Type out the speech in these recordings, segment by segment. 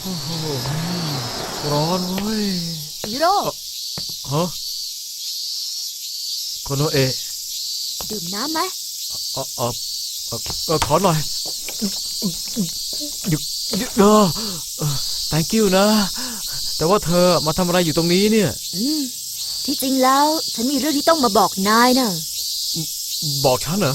โอ้โหร้อนเว้ยจิโร่ฮะโคโนเอะดื่มน้ำไหมขอหน่อยหยุดthank you นะแต่ว่าเธอมาทำอะไรอยู่ตรงนี้เนี่ยที่จริงแล้วฉันมีเรื่องที่ต้องมาบอกนายนะบอกฉันเหรอ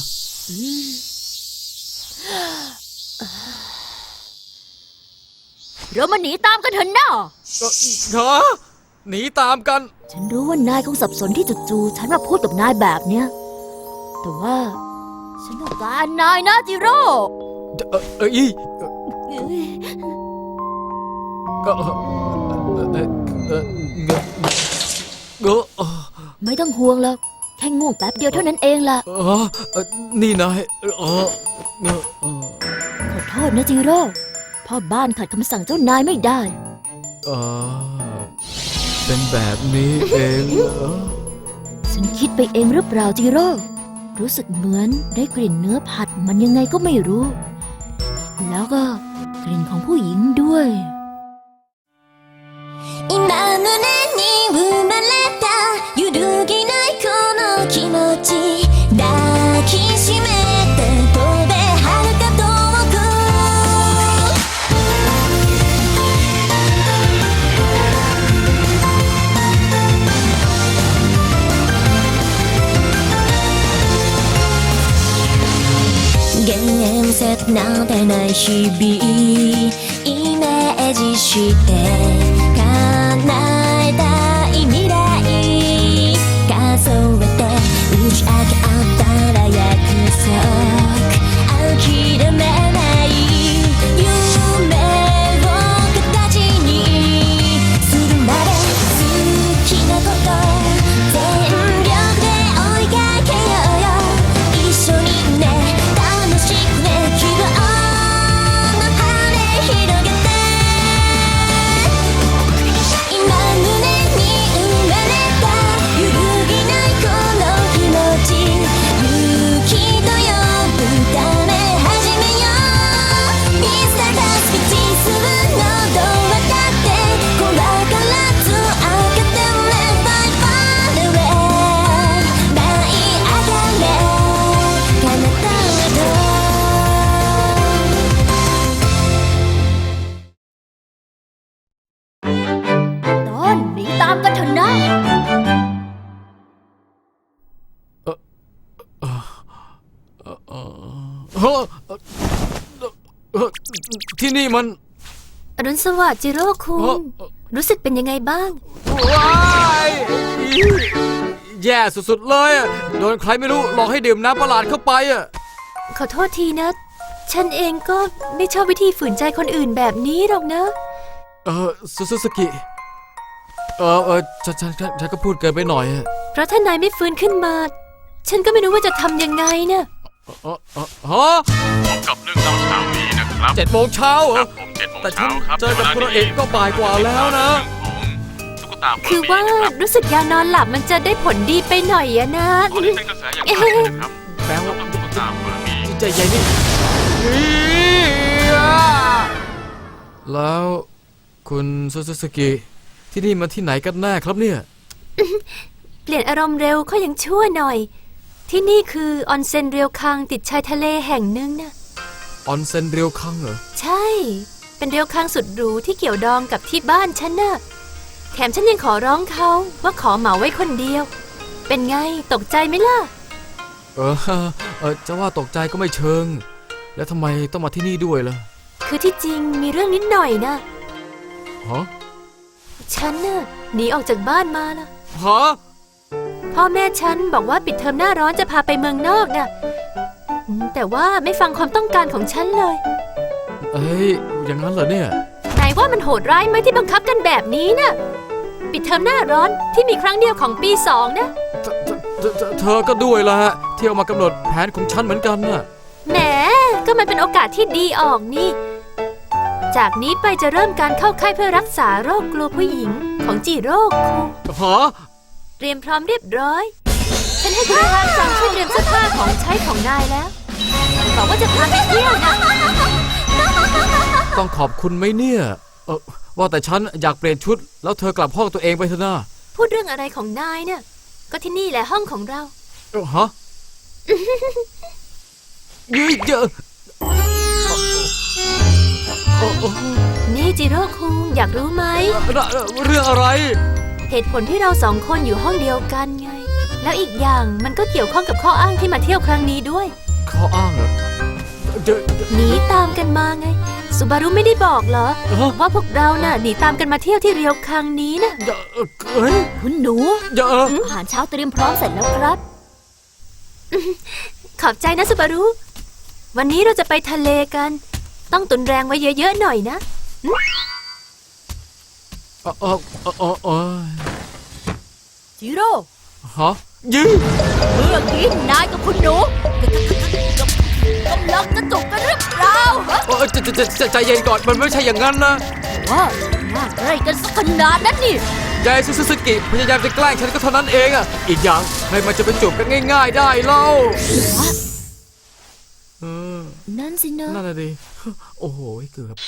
เรามาหนีตามกันเถอะนะฮะหนีตามกันฉันรู้ว่านายคงสับสนที่จู่ๆฉันมาพูดกับนายแบบเนี้ยแต่ว่าฉันต้องการนายนะจิโร่ไม่ต้องห่วงหรอกแค่ง่วงแป๊บเดียวเท่านั้นเองล่ะนี่นายขอโทษนะจิโร่พ่อบ้านขัดคำสั่งเจ้านายไม่ได้เป็นแบบนี้เองฉันคิดไปเองหรือเปล่าจิโร่รู้สึกเหมือนได้กลิ่นเนื้อผัดมันยังไงก็ไม่รู้แล้วก็กลิ่นของผู้หญิงด้วย今胸に生まれた揺るぎないこの気持ち抱きしめて飛べ遥か遠く現実なんてない日々イメージして叶えたい未来数えて打ち明け合ったら約束諦めない夢を形にするまで好きなこと全力で追いかけようよ一緒にね楽しくね希望の羽広げて今胸に生まれた揺るぎないこの気持ち勇気と呼ぶため始めよう Mr. Basket 進むのどう渡って怖からず開けて Let far away 舞い上がれ彼方へとตอนหนีตามกันเถอะนะที่นี่มันอรุณสวัสดิ์จิโร่คุงรู้สึกเป็นยังไงบ้างว้ายแย่สุดๆเลยโดนใครไม่รู้หลอกให้ดื่มน้ำประหลาดเข้าไปขอโทษทีนะฉันเองก็ไม่ชอบวิธีฝืนใจคนอื่นแบบนี้หรอกนะซูซูกิฉันก็พูดเกินไปหน่อยเพราะถ้านายไม่ฟื้นขึ้นมาฉันก็ไม่รู้ว่าจะทำยังไงนะฮะพบกับเรื่องเล่าเช้านี้นะครับ 7 โมงเช้าเหรอผม7 โมงแต่ฉัเช้านครับเจอกับคุณเอกก็บ่ายกว่าแล้วนะตุ๊กตาคือว่ารู้สึกยานอนหลับมันจะได้ผลดีไปหน่อยอะนะตอนนี้เป็นกระแสอย่างมากเลยนะครับแปลว่าตุ๊กตาเฟอร์บี้ใจใหญ่นี่แล้วคุณซูกิที่นี่มาที่ไหนกันแน่ครับเนี่ยเปลี่ยนอารมณ์เร็วก็ยังชั่วหน่อยที่นี่คือออนเซ็นเรียวคังติดชายทะเลแห่งหนึ่งนะออนเซ็นเรียวคังเหรอใช่เป็นเรียวคังสุดหรูที่เกี่ยวดองกับที่บ้านฉันน่ะแถมฉันยังขอร้องเขาว่าขอเหมาไว้คนเดียวเป็นไงตกใจไหมล่ะจะว่าตกใจก็ไม่เชิงแล้วทำไมต้องมาที่นี่ด้วยล่ะคือที่จริงมีเรื่องนิดหน่อยนะฮะฉันน่ะหนีออกจากบ้านมาละฮะพ่อแม่ฉันบอกว่าปิดเทอมหน้าร้อนจะพาไปเมืองนอกน่ะแต่ว่าไม่ฟังความต้องการของฉันเลยอย่างนั้นเหรอเนี่ยนายว่ามันโหดร้ายไหมที่บังคับกันแบบนี้น่ะปิดเทอมหน้าร้อนที่มีครั้งเดียวของปี2นะเธอก็ด้วยละเที่ยวมากำหนดแผนของฉันเหมือนกันน่ะแหมก็มันเป็นโอกาสที่ดีออกนี่จากนี้ไปจะเริ่มการเข้าค่ายเพื่อรักษาโรคกลัวผู้หญิงของจิโร่คุงฮะเตรียมพร้อมเรียบร้อยฉันให้คุณทานสั่งช่วยเตรียมเสื้อผ้าของใช้ของนายแล้วบอกว่าจะพาไปเที่ยวนะต้องขอบคุณไหมเนี่ยว่าแต่ฉันอยากเปลี่ยนชุดแล้วเธอกลับห้องตัวเองไปเถอะนะพูดเรื่องอะไรของนายเนี่ย ก็ที่นี่แหละห้องของเราฮะเยอะนี่จิโร่คุงอยากรู้ไหมเรื่องอะไรเหตุผลที่เราสองคนอยู่ห้องเดียวกันไง แล้วอีกอย่างมันก็เกี่ยวข้องกับข้ออ้างที่มาเที่ยวครั้งนี้ด้วยข้ออ้างเหรอเจอหนีตามกันมาไงสุบารุไม่ได้บอกเหรอ ว่าพวกเราน่ะหนีตามกันมาเที่ยวที่เรียวคังนี้นะเฮ้ยคุณหนูเยอะอาหารเช้าเตรียมพร้อมเสร็จแล้วครับขอบใจนะสุบารุ วันนี้เราจะไปทะเลกัน ต้องตุนแรงไว้เยอะๆหน่อยนะจิโร่ฮะยื้เมื่อกี้นายกับคุณหนูกำลังจะจบกันหรือเปล่าฮะใจเย็นก่อนมันไม่ใช่อย่างนั้นนะว่าน่าใกล้กันสักขนาดนั้นนี่ยายซูซูกิพยายามจะแกล้งฉันก็เท่านั้นเองอ่ะอีกอย่างใครมันจะไปจูบกันง่ายๆได้เล่านั่นสินะนั่นน่ะดิโอ้โหเกือบ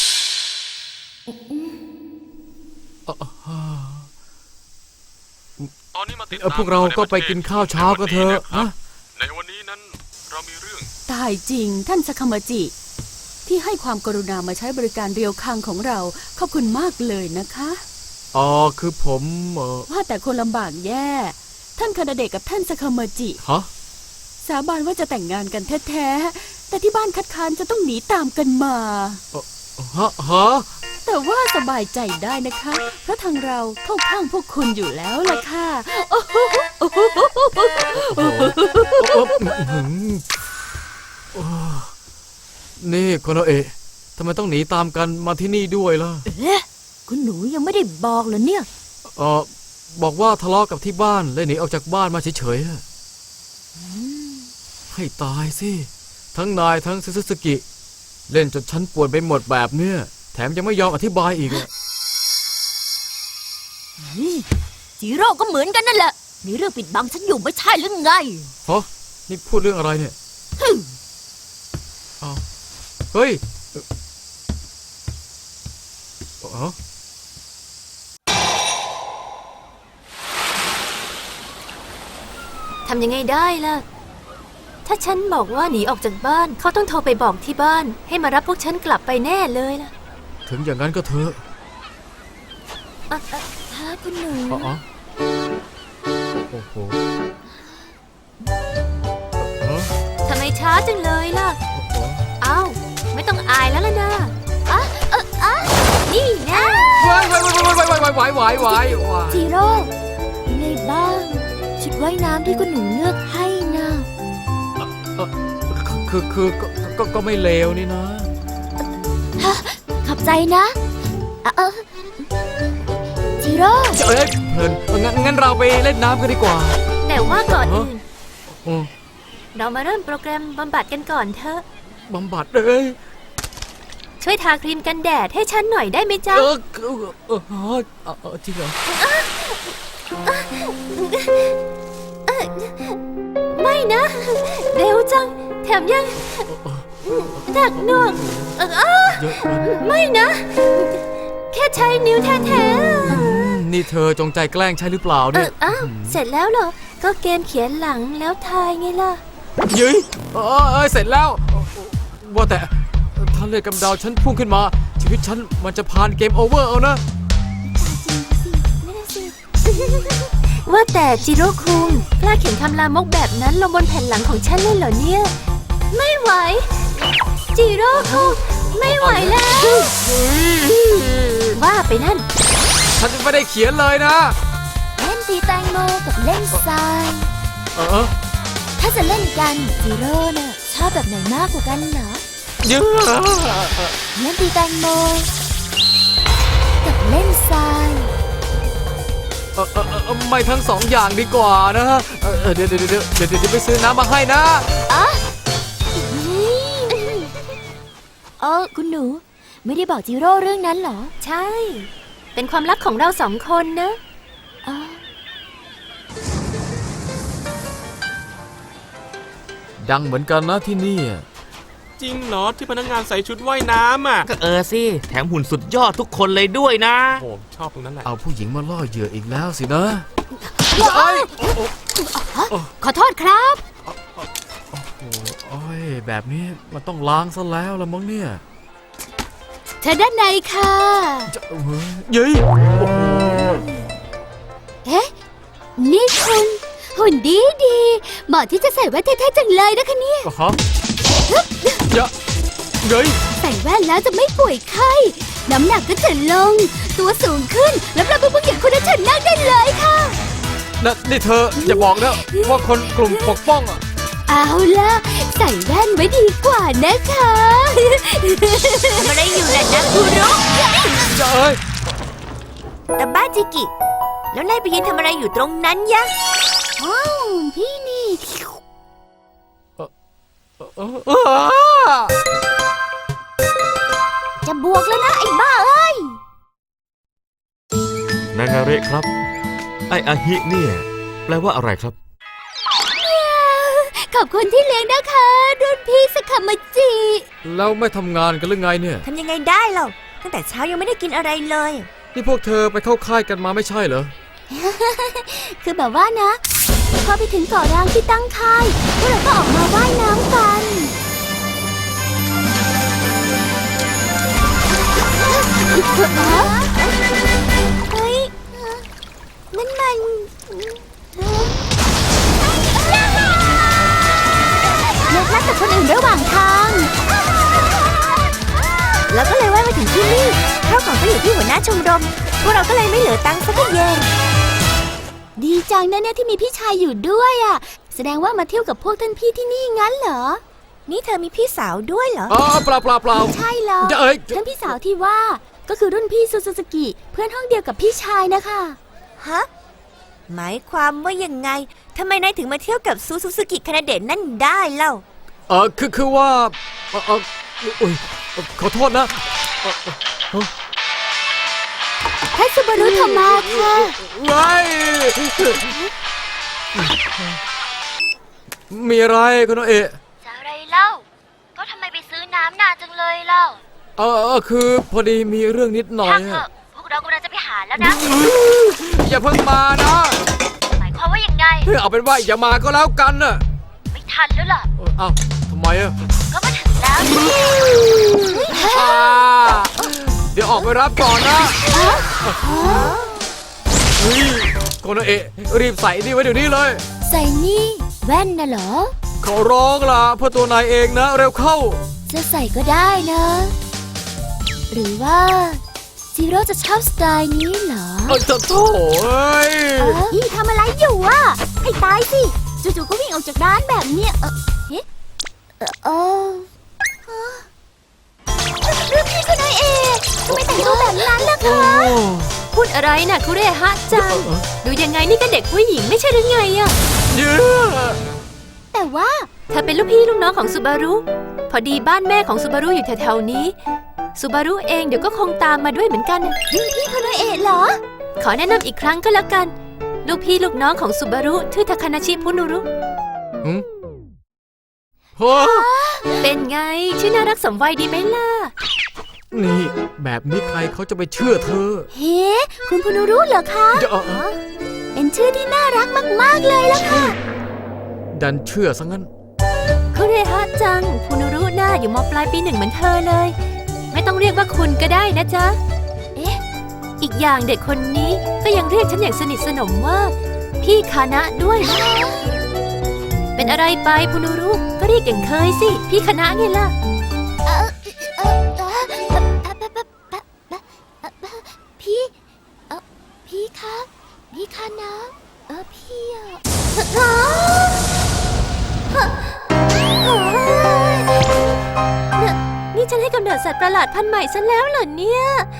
ตอนนี้มาติดตามพวกเราก็ไปกินข้าวเช้ากันเถอะฮะในวันนี้นั้นเรามีเรื่องตายจริงท่านสคามาจิ ที่ให้ความกรุณามาใช้บริการเรียวคังของเราขอบคุณมากเลยนะคะอ๋อคือผมว่าแต่คนลำบากแย่ ท่านคานาเดะกับท่านสคามาจิฮะสาบานว่าจะแต่งงานกันแท้ๆแต่ที่บ้านคัดค้านจะต้องหนีตามกันมาฮะแต่ว่าสบายใจได้นะคะ เพราะทางเราเข้าข้างพวกคุณอยู่แล้วล่ะค่ะนี่โคโนเอะทำไมต้องหนีตามกันมาที่นี่ด้วยล่ะเอ๊ะคุณหนูยังไม่ได้บอกเหรอเนี่ยบอกว่าทะเลาะกับที่บ้านเลยหนีออกจากบ้านมาเฉยๆอะให้ตายสิ ทั้งนายทั้งซึซึกิ เล่นจนฉันปวดไปหมดแบบเนี้ยแถมยังไม่ยอมอธิบายอีกอะจิโร่ก็เหมือนกันนั่นแหละ มีเรื่องปิดบังฉันอยู่ไม่ใช่หรือไงฮะนี่พูดเรื่องอะไรเนี่ยอ้าวเฮ้ยอ๋อทำยังไงได้ล่ะ ถ้าฉันบอกว่าหนีออกจากบ้าน เขาต้องโทรไปบอกที่บ้าน ให้มารับพวกฉันกลับไปแน่เลยล่ะถึงอย่างนั้นก็เถอะถ้าคุณหนูอ๋อโอ้โหทำไมช้าจังเลยล่ะ เอ้า ไม่ต้องอายแล้วล่ะนะนี่นะไหวจิโร่ยังไงบ้าง ชุดว่ายน้ำที่คุณหนูเลือกให้นะก็ไม่เลวนี่นะขอบใจนะจิโร่เอ้ยเพลินงั้นเราไปเล่นน้ำกันดีกว่าแต่ว่าก่อนอื่นอืมเรามาเริ่มโปรแกรมบำบัดกันก่อนเถอะบำบัดเอ้ยช่วยทาครีมกันแดดให้ฉันหน่อยได้ไหมจ๊ะจริงเหรอไม่นะ เร็วจัง แถมยังหนักหน่วงเยอะเกินไม่นะ แค่ใช้นิ้วแท้นี่เธอจงใจแกล้งใช่หรือเปล่าเนี่ยอ้าว เสร็จแล้วเหรอ ก็เกมเขียนหลังแล้วทายไงล่ะยืยเสร็จแล้ว ว่าแต่ถ้าเลือดกำเดาฉันพุ่งขึ้นมา ชีวิตฉันมันจะผ่านเกมโอเวอร์เอานะว่าแต่จิโร่คุงกล้าเขียนคำลามกแบบนั้นลงบนแผ่นหลังของฉันเลยเหรอเนี่ย ไม่ไหว จิโร่คุงไม่ไหวแล้ว ว่าไปนั่นฉันไม่ได้เขียนเลยนะเล่นตีแตงโมกับเล่นทราย ถ้าจะเล่นกันจิโร่น่ะชอบแบบไหนมากกว่ากันเหรอเยอะเล่นตีแตงโมกับเล่นทรายไม่ทั้งสองอย่างดีกว่านะเดี๋ยวไปซื้อน้ำมาให้นะคุณหนูไม่ได้บอกจิโร่เรื่องนั้นเหรอใช่ เป็นความลับของเราสองคนนะดังเหมือนกันนะที่นี่จิจริงเหรอที่พนักงานใส่ชุดว่ายน้ำอ่ะก็สิแถมหุ่นสุดยอดทุกคนเลยด้วยนะโอ้ชอบตรงนั้นแหละเอาผู้หญิงมาล่อเหยื่ออีกแล้วสินะขอโทษครับโอ้ยแบบนี้มันต้องล้างซะแล้วละมั้งเนี่ยเธอด้านในค่ะจะเย้ยโอ้โหเอ๊ะ นี่คุณหุ่นดีดีเหมาะที่จะใส่แว่นเท่ๆจังเลยนะคะเนี่ยฮะเย้ยใส่แว่นแล้วจะไม่ป่วยไข้ น้ำหนักก็จะลง ตัวสูงขึ้น แล้วเราเป็นผู้หญิงคุณจะเฉินนั่งได้เลยค่ะนี่เธออย่าบอกนะว่าคนกลุ่มปกป้องอ่ะเอาล่ะ ใส่แว่นไว้ดีกว่านะคะทำอะไรอยู่ล่ะนะคุรุจะเอ้ยแต่บ้าจิกิ แล้วนายไปยืนทำอะไรอยู่ตรงนั้นยะว้าวพี่นี่ จะบวกแล้วนะไอ้บ้าเอ้ยนางาเระครับ ไออาฮิเนี่ยแปลว่าอะไรครับขอบคุณที่เลี้ยงนะคะรุ่นพี่สคามาจิแล้วไม่ทำงานกันหรือไงเนี่ยทำยังไงได้เราตั้งแต่เช้ายังไม่ได้กินอะไรเลยนี่พวกเธอไปเข้าค่ายกันมาไม่ใช่เหรอคือแบบว่านะพอไปถึงเกาะร้างที่ตั้งค่ายพวกเราก็ออกมาว่ายน้ำกันเฮ้ยนั่นมันเลิกนัดกับคนอื่นระหว่างทาง แล้วก็เลยว่ายมาถึงที่นี่ข้าวของก็อยู่ที่หัวหน้าชมรมพวกเราก็เลยไม่เหลือตังค์สักเยนดีจังนะเนี่ยที่มีพี่ชายอยู่ด้วยอ่ะแสดงว่ามาเที่ยวกับพวกท่านพี่ที่นี่งั้นเหรอนี่เธอมีพี่สาวด้วยเหรออ๋อเปล่าใช่หรอจะเอ้ยท่านพี่สาวที่ว่าก็คือรุ่นพี่ซูซูกิ เพื่อนห้องเดียวกับพี่ชายนะคะฮะหมายความว่ายังไงทำไมนายถึงมาเที่ยวกับซูซูกิคานาเดะนั่นได้เล่าคือว่าอุ๊ยขอโทษนะท่านซูบารุโทมาค่ะไงมีอะไรคุณโอเอะจะอะไรเล่า ก็ทำไมไปซื้อน้ำนานจังเลยเล่าคือพอดีมีเรื่องนิดหน่อยช่างเถอะ พวกเรากำลังจะไปหาแล้วนะอย่าเพิ่งมานะหมายความว่ายังไงเอาเป็นว่าอย่ามาก็แล้วกันน่ะไม่ทันแล้วล่ะเอ้าทำไมอ่ะก็มาถึงแล้วนี่เดี๋ยวออกไปรับก่อนนะคุณโอเอะรีบใส่นี่ไว้เดี๋ยวนี้เลยใส่นี่แว่นน่ะเหรอขอร้องล่ะเพื่อตัวนายเองนะเร็วเข้าจะใส่ก็ได้นะ หรือว่าซีโร่จะชอบสไตล์นี้เหรอจะโถ่เอ้ยนี่ทำอะไรอยู่อ่ะให้ตายสิจู่ๆก็วิ่งออกจากร้านแบบเนี้ยรุ่นพี่คุณนายเอทำไมแต่งตัวแบบนั้นล่ะคะ พูดอะไรน่ะคุเรฮะจัง ดูยังไงนี่ก็เด็กผู้หญิงไม่ใช่หรือไงอะเย้แต่ว่าเธอเป็นลูกพี่ลูกน้องของซูบารุ พอดีบ้านแม่ของซูบารุอยู่แถวๆนี้ซูบารุเองเดี๋ยวก็คงตามมาด้วยเหมือนกันรุ่นพี่คุณนายเอเหรอ ขอแนะนำอีกครั้งก็แล้วกัน ลูกพี่ลูกน้องของซูบารุชื่อทาคานาชิพุนุรุโอ้เป็นไงชื่อน่ารักสมวัยดีไหมล่ะนี่แบบนี้ใครเขาจะไปเชื่อเธอเฮ้คุณพุนุรุเหรอคะ เป็นชื่อที่น่ารักมากๆเลยล่ะค่ะดันเชื่อซะงั้นคุเรฮะจังพุนุรุน่าอยู่ม.ปลายปี 1เหมือนเธอเลย ไม่ต้องเรียกว่าคุณก็ได้นะจ๊ะ เอ๊ะ อีกอย่างเด็กคนนี้ก็ยังเรียกฉันอย่างสนิทสนมว่าพี่คานะด้วยนะเป็นอะไรไปพุนุรุก็เรียกอย่างเคยสิพี่คานะไงล่ะพี่คะพี่คานะพี่นี่ฉันให้กำเนิดสัตว์ประหลาดพันธุ์ใหม่ซะแล้วเหรอเนี่ย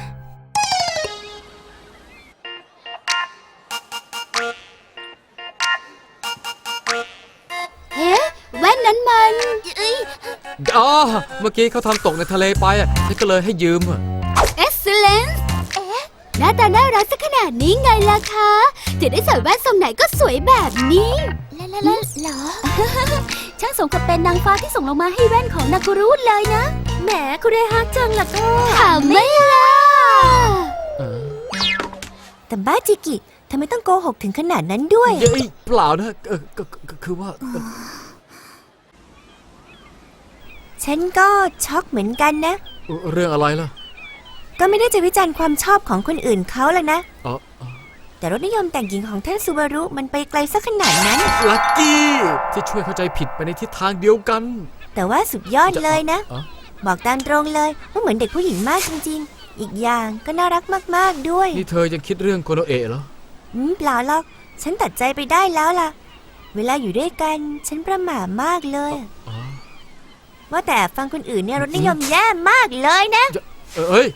เฮ้แว่นนั้นมันเมื่อกี้เขาทำตกในทะเลไปฉันก็เลยให้ยืม Excellence หน้าตาน่ารักสักขนาดนี้ไงล่ะคะจะได้ใส่แว่นทรงไหนก็สวยแบบนี้แล้วเหรอช่างสมกับเป็นนางฟ้าที่ส่งลงมาให้แว่นของนากุรุเลยนะแหมคุณได้ฮักจังล่ะก็ถามไม่ล่ะเออแต่บ้าจิกิทำไมต้องโกหกถึงขนาดนั้นด้วยเย้ยเปล่านะก็คือว่าฉันก็ช็อกเหมือนกันนะเรื่องอะไรล่ะก็ไม่ได้จะวิจารณ์ความชอบของคนอื่นเขาแล้วนะอ๋อแต่รสนิยมแต่งหญิงของท่านซูบารุมันไปไกลสักขนาดนั้นลักกี้ที่ช่วยเข้าใจผิดไปในทิศทางเดียวกันแต่ว่าสุดยอดเลยนะอ๋อบอกตามตรงเลยว่าเหมือนเด็กผู้หญิงมากจริงๆ อีกอย่างก็น่ารักมากๆด้วยนี่เธอยังคิดเรื่องโคโนเอะเหรอเปล่าหรอก ฉันตัดใจไปได้แล้วล่ะ เวลาอยู่ด้วยกันฉันประหม่ามากเลยอ๋อว่าแต่ฟังคนอื่นเนี่ยรสนิยมแย่มากเลยนะเอ้ย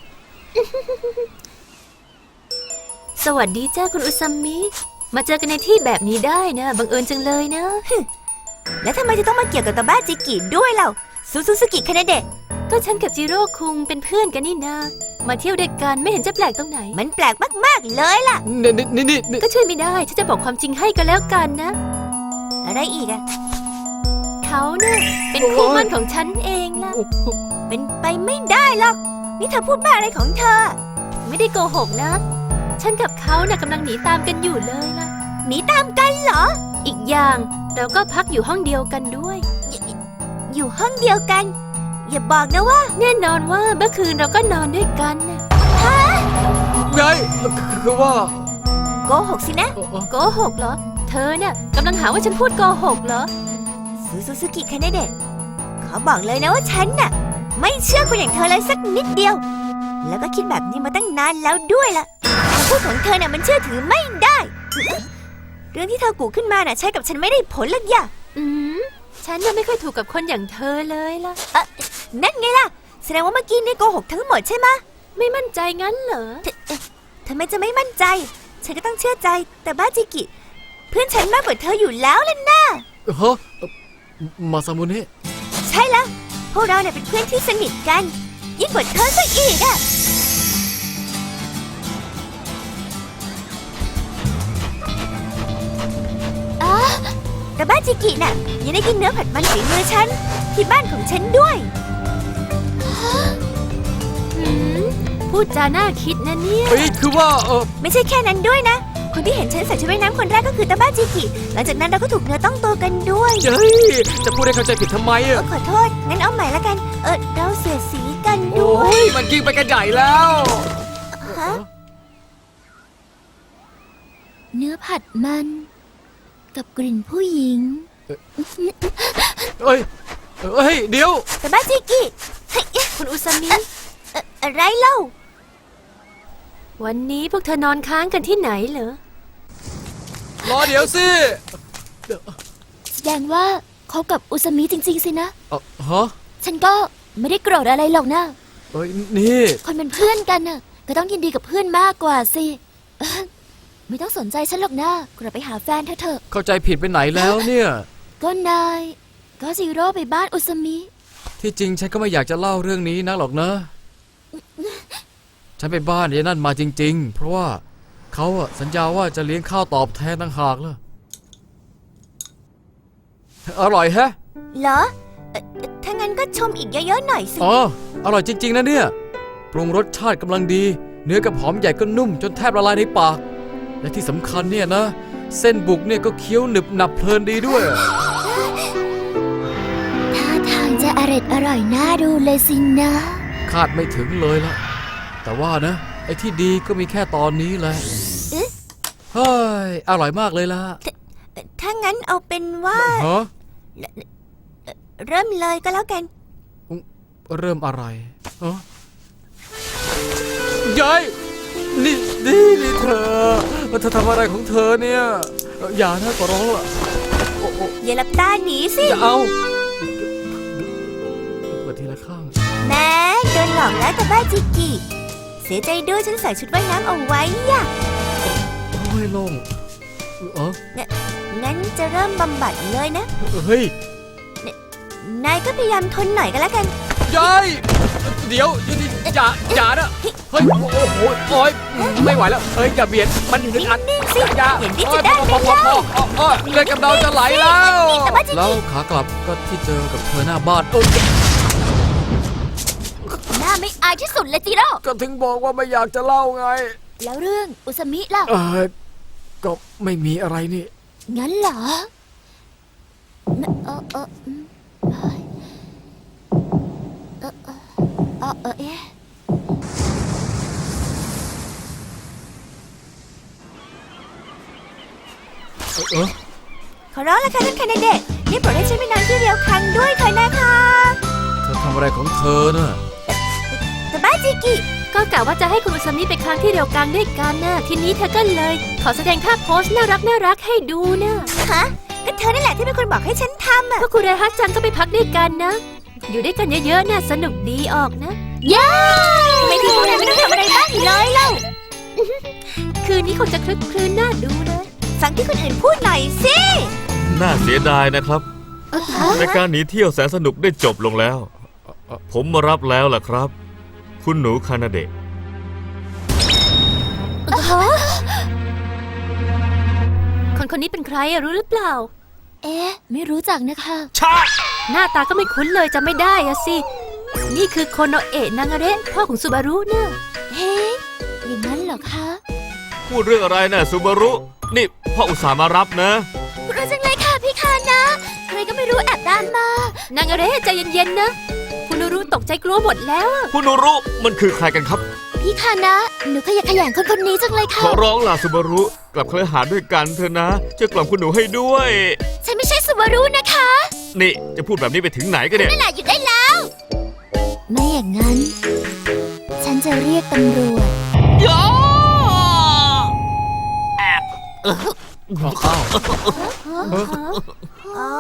สวัสดีจ้าคุณอุซัมมิ มาเจอกันในที่แบบนี้ได้นะ บังเอิญจังเลยนะแล้วทำไมจะต้องมาเกี่ยวกับตาบ้าจิกิด้วยเล่าซูซูกิคานาเดะก็ฉันกับจิโร่คุงเป็นเพื่อนกันนี่นา มาเที่ยวด้วยกันไม่เห็นจะแปลกตรงไหนมันแปลกมากๆเลยล่ะนี่ก็ช่วยไม่ได้ ฉันจะบอกความจริงให้ก็แล้วกันนะอะไรอีกอะเขาเนี่ยเป็นคู่หมั่นของฉันเองล่ะเป็นไปไม่ได้หรอก นี่เธอพูดบ้าอะไรของเธอไม่ได้โกหกนะ ฉันกับเขาน่ะกำลังหนีตามกันอยู่เลยล่ะหนีตามกันเหรออีกอย่างเราก็พักอยู่ห้องเดียวกันด้วยอยู่ห้องเดียวกัน อย่าบอกนะว่าแน่นอนว่าเมื่อคืนเราก็นอนด้วยกันน่ะไงคือว่าโกหกสินะโกหกเหรอ เธอเนี่ยกำลังหาว่าฉันพูดโกหกเหรอซูกิคานาเดะขอบอกเลยนะว่าฉันน่ะ ไม่เชื่อคนอย่างเธอเลยสักนิดเดียว แล้วก็คิดแบบนี้มาตั้งนานแล้วด้วยล่ะคำพูดของเธอน่ะมันเชื่อถือไม่ได้ เรื่องที่เธอกูขึ้นมาน่ะใช้กับฉันไม่ได้ผลหรอกอย่าฉันยังไม่ค่อยถูกกับคนอย่างเธอเลยล่ะนั่นไงล่ะ แสดงว่าเมื่อกี้นี่โกหกทั้งหมดใช่ไหมะไม่มั่นใจงั้นเหรอทำไมจะไม่มั่นใจ ฉันก็ต้องเชื่อใจ แต่บ้าจิกิ เพื่อนฉันมากกว่าเธออยู่แล้วล่ะนะฮะมาซามุเนะใช่แล้ว พวกเราเนี่ยเป็นเพื่อนที่สนิทกัน ยิ่งกว่าเธอซะอีกอะแต่บ้าจิกิน่ะยังได้กินเนื้อผัดมันฝีมือฉัน ที่บ้านของฉันด้วยพูดจาน่าคิดนะเนี่ยเฮ้ยคือว่าไม่ใช่แค่นั้นด้วยนะ คนที่เห็นฉันใส่ชุดว่ายน้ำคนแรกก็คือตาบ้าจิกิ หลังจากนั้นเราก็ถูกเนื้อต้องตัวกันด้วยเฮ้ยจะพูดให้เข้าใจผิดทำไมอะขอโทษ งั้นเอาใหม่ละกัน เราเสียดสีกันโอ้ด้วยยมันยิ่งไปกันใหญ่แล้วฮะเนื้อผัดมัน กับกลิ่นผู้หญิงเฮ้ยเดี๋ยวตาบ้าจิกิเฮ้ยคุณอุซามิอะไรเล่าวันนี้พวกเธอนอนค้างกันที่ไหนเหรอรอเดี๋ยวสิแสดงว่าเขากับอุซามิจริงๆสินะฮะฉันก็ไม่ได้โกรธอะไรหรอกนะเอ้ยนี่คนเป็นเพื่อนกันน่ะ ก็ต้องยินดีกับเพื่อนมากกว่าสิไม่ต้องสนใจฉันหรอกนะกลับไปหาแฟนเธอเถอะเข้าใจผิดไปไหนแล้วเนี่ยก็นายก็ซีโร่ไปบ้านอุซามิที่จริงฉันก็ไม่อยากจะเล่าเรื่องนี้นักหรอกนะ ฉันไปบ้านยายนั่นมาจริงๆ เพราะว่าเขาอะสัญญาว่าจะเลี้ยงข้าวตอบแทนต่างหากล่ะอร่อยแฮะเหรอถ้างั้นก็ชมอีกเยอะๆหน่อยสิอ๋ออร่อยจริงๆนะเนี่ยปรุงรสชาติกำลังดี เนื้อกับหอมใหญ่ก็นุ่มจนแทบละลายในปาก และที่สำคัญเนี่ยนะ เส้นบุกเนี่ยก็เคี้ยวหนึบหนับเพลินดีด้วยท่าทางจะอร่อยน่าดูเลยสินะคาดไม่ถึงเลยล่ะ แต่ว่านะ ไอ้ที่ดีก็มีแค่ตอนนี้แหละเฮ้ยอร่อยมากเลยล่ะถ้างั้นเอาเป็นว่าฮะเริ่มเลยก็แล้วกันเริ่มอะไรฮะยายนี่เธอทำอะไรของเธอเนี่ยอย่านะขอร้องล่ะโอ้อย่าหลับตาหนีสิอย่าเอาเปิดทีละข้างแม่โดนหลอกแล้วตาบ้าจิกิ เสียใจด้วยฉันใส่ชุดว่ายน้ำเอาไว้ย่ะโอ้ยโล่งงั้นจะเริ่มบำบัดเลยนะเฮ้ยนายก็พยายามทนหน่อยก็แล้วกันยายเดี๋ยวอย่านะเฮ้ยโอ้โหโอ้ยไม่ไหวแล้วเฮ้ยอย่าเบียดมันอยู่ในอัดนิ่งๆสิอย่าอย่างนี้จะได้ไหมพอเลือดกำเดาจะไหลแล้วแต่ว่าจริงๆแล้วขากลับก็ที่เจอกับเธอหน้าบ้านโอ้ยหน้าไม่อายที่สุดเลยจิโร่ก็ถึงบอกว่าไม่อยากจะเล่าไงแล้วเรื่องอุซามิล่ะก็ไม่มีอะไรนี่งั้นเหรอไม่เฮ้ยเอ๊ะขอร้องละค่ะท่านคานาเดะนี่โปรดให้ฉันไปนอนที่เรียวคังด้วยเถอะนะคะเธอทำอะไรของเธอน่ะแต่บ้าจิกิก็กะว่าจะให้คุณอุซามิไปค้างที่เรียวกังด้วยกันนะทีนี้เธอก็เลย ขอแสดงท่าโพสน่ารักให้ดูนะฮะก็เธอนี่แหละที่เป็นคนบอกให้ฉันทำอ่ะก็คุณไรฮัตจังก็ไปพักด้วยกันนะ อยู่ด้วยกันเยอะๆน่ะสนุกดีออกนะเย้ทำไมที่พวกนายไม่ต้องทำอะไรบ้างเลยเล่า คืนนี้คงจะคลึกคลื้นน่าดูเลยฟังที่คนอื่นพูดหน่อยสิน่าเสียดายนะครับในการหนีเที่ยวแสนสนุกได้จบลงแล้ว ผมมารับแล้วล่ะครับ คุณหนูคานาเดะคนนี้เป็นใครอะรู้หรือเปล่าเอ๊ะไม่รู้จักนะคะชาหน้าตาก็ไม่คุ้นเลยจำไม่ได้อะสิ นี่คือโคโนเอะนางาเระพ่อของซูบารุเนะเฮ้ยอย่างนั้นเหรอคะพูดเรื่องอะไรนะซูบารุ นี่พ่ออุตส่าห์มารับนะรู้จังเลยค่ะพี่คานะใครก็ไม่รู้แอบตามมานางาเระใจเย็นๆนะคุณรู้ตกใจกลัวหมดแล้วอะคุณหนูรุมันคือใครกันครับพี่คานะหนูขยันขยันคนนี้จังเลยขค่ะอร้องล่ะซูบารุ กลับเคลหาด้วยกันเถอะนะช่วยกล่อมคุณหนูให้ด้วยฉันไม่ใช่สุวารุนะคะนี่จะพูดแบบนี้ไปถึงไหนกันเนี่ยนั่นแหละหยุดได้แล้ว ไม่อย่างนั้น ฉันจะเรียกตำรวจอ้าวอ๋อ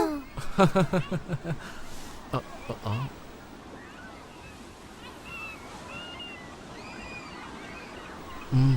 อ๋ออืม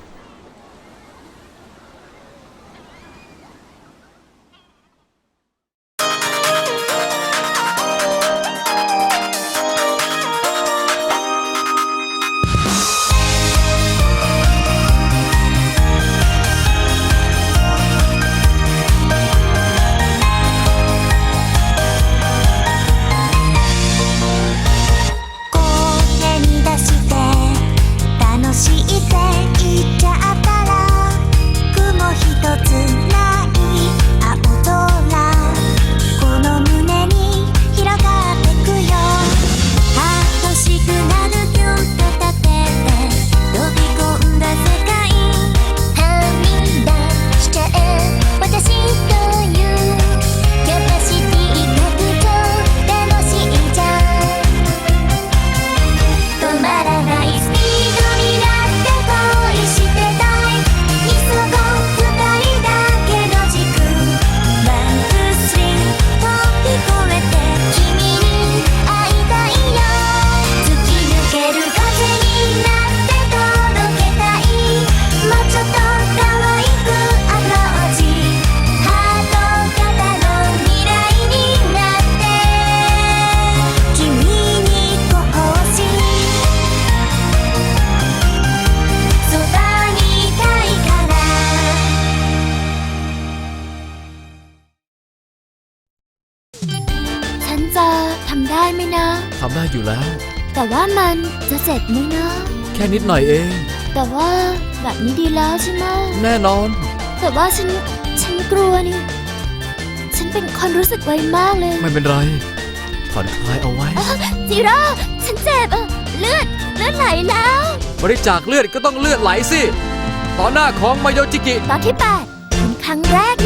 声に出して楽しいって言っちゃったら雲一つない青空この胸に広がってくよ楽しくなるキュンと立てて飛び込んだ世界はみ出しちゃえ私というキャパシティ拡張楽しいじゃん止まらないスピードになって恋してたい急ごう二人だけの軸ワンツースリー飛び越えて君に会いたいよ突き抜ける風になって届けたいもうちょっと可愛くアプローチハート型の未来になって君にこうしそばにいたいからฉันจะทำได้ไหมนะทำได้อยู่แล้วแต่ว่ามันจะเจ็บไหมนะแค่นิดหน่อยเองแต่ว่าแบบนี้ดีแล้วใช่ไหมแน่นอนแต่ว่าฉันกลัวนี่ ฉันเป็นคนรู้สึกไวมากเลยไม่เป็นไร ผ่อนคลายเอาไว้จิโร่ฉันเจ็บอะเลือดไหลแล้วบริจาคเลือดก็ต้องเลือดไหลสิ ต่อหน้าของมายโยจิกิตอนที่ 8 เป็นครั้งแรก